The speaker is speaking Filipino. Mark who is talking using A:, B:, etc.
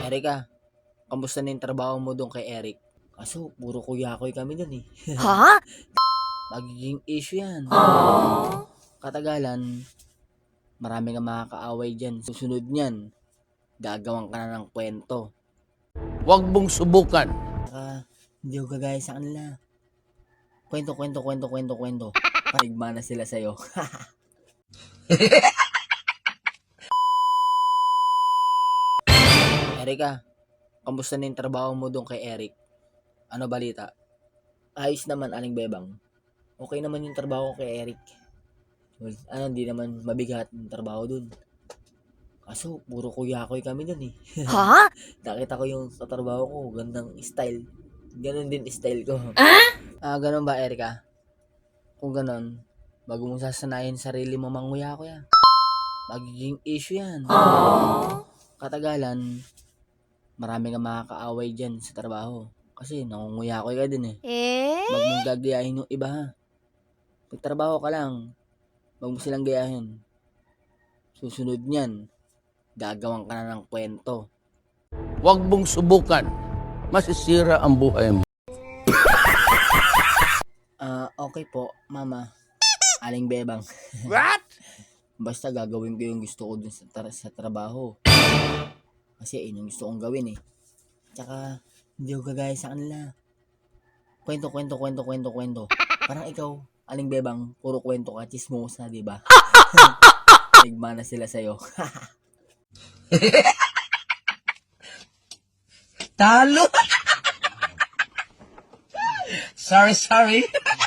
A: Erika, kamusta na yung trabaho mo doon kay Eric? Kaso, puro kuya-kuy kami doon eh.
B: Ha?
A: Magiging issue yan.
B: Aww.
A: Katagalan, marami kang makakaaway dyan. Susunod niyan, gagawan ka na ng kwento.
C: Huwag mong subukan.
A: Saka, hindi ko gagaya sa kanila. Kwento. Parigma na sila sa'yo. Erika, kamusta na yung trabaho mo doon kay Eric? Ano balita? Ayos naman, Aling Bebang. Okay naman yung trabaho ko kay Eric. Well, hindi naman mabigat yung trabaho dun. Kaso, puro kuya-kuy kami dun eh.
B: Ha?
A: Nakita ko yung sa trabaho ko, gandang style. Ganon din style ko. Ganon ba, Erika? Kung ganon, bago mo sasanayin sarili mo manguya-kuya. Magiging issue yan. Katagalan, marami kang makakaaway dyan sa trabaho. Kasi nangunguya-kuy ka din eh. Wag mong gagayahin yung iba ha. Pagtrabaho ka lang, wag mo silang gayahin. Susunod niyan, gagawan ka na ng kwento.
C: Huwag mong subukan. Masisira ang buhay mo.
A: Okay po, Mama. Aling Bebang.
C: What?
A: Basta gagawin ko yung gusto ko dun sa trabaho. Kasi yun yung gusto kong gawin eh. Tsaka, hindi ko gagaya sa kanila. Kwento. Parang ikaw, Aling Bebang, puro kwento ka, chismosa, di ba? Nagma na sila sa'yo.
C: Talo! Sorry.